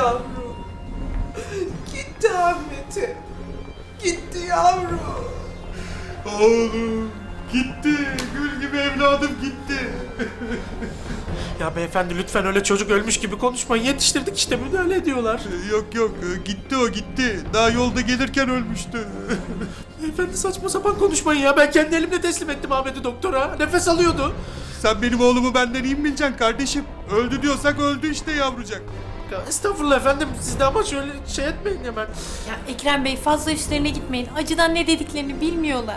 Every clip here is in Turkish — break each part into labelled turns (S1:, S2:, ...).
S1: yavrum. Gitti Ahmet'e. Gitti yavrum.
S2: Oğlum gitti. Gül gibi evladım gitti.
S3: Ya beyefendi lütfen öyle çocuk ölmüş gibi konuşmayın. Yetiştirdik işte, müdahale ediyorlar.
S2: Yok gitti o gitti. Daha yolda gelirken ölmüştü.
S3: Beyefendi saçma sapan konuşmayın ya. Ben kendi elimle teslim ettim Ahmet'i doktora. Nefes alıyordu.
S2: Sen benim oğlumu benden iyi mi bileceksin kardeşim? Öldü diyorsak öldü işte yavrucak.
S3: Ya estağfurullah efendim. Siz de ama şöyle şey etmeyin hemen.
S4: Ya Ekrem Bey fazla üstlerine gitmeyin. Acıdan ne dediklerini bilmiyorlar.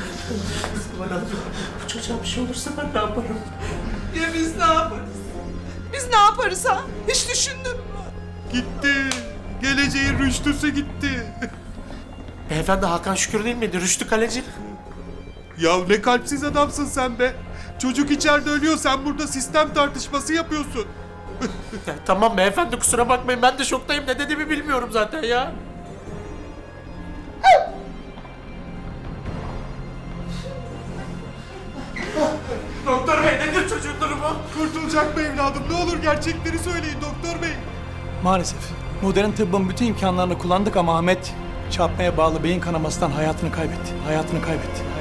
S3: Bu çocuğa bir şey olursa ben ne yaparım?
S1: Ya biz ne yaparız? Biz ne yaparız ha? Hiç düşündün mü?
S2: Gitti. Geleceğin rüştüsü gitti.
S3: Beyefendi Hakan Şükür değil miydi? Rüştü Kaleci.
S2: Ya ne kalpsiz adamsın sen be. Çocuk içeride ölüyor, sen burada sistem tartışması yapıyorsun.
S3: Ya, tamam beyefendi kusura bakmayın. Ben de şoktayım. Ne dediğimi bilmiyorum zaten ya. Doktor bey nedir çocuğun durumu?
S2: Kurtulacak mı evladım? Ne olur gerçekleri söyleyin doktor bey.
S5: Maalesef. Modern tıbbın bütün imkanlarını kullandık ama Ahmet çarpmaya bağlı beyin kanamasından hayatını kaybetti. Hayatını kaybetti.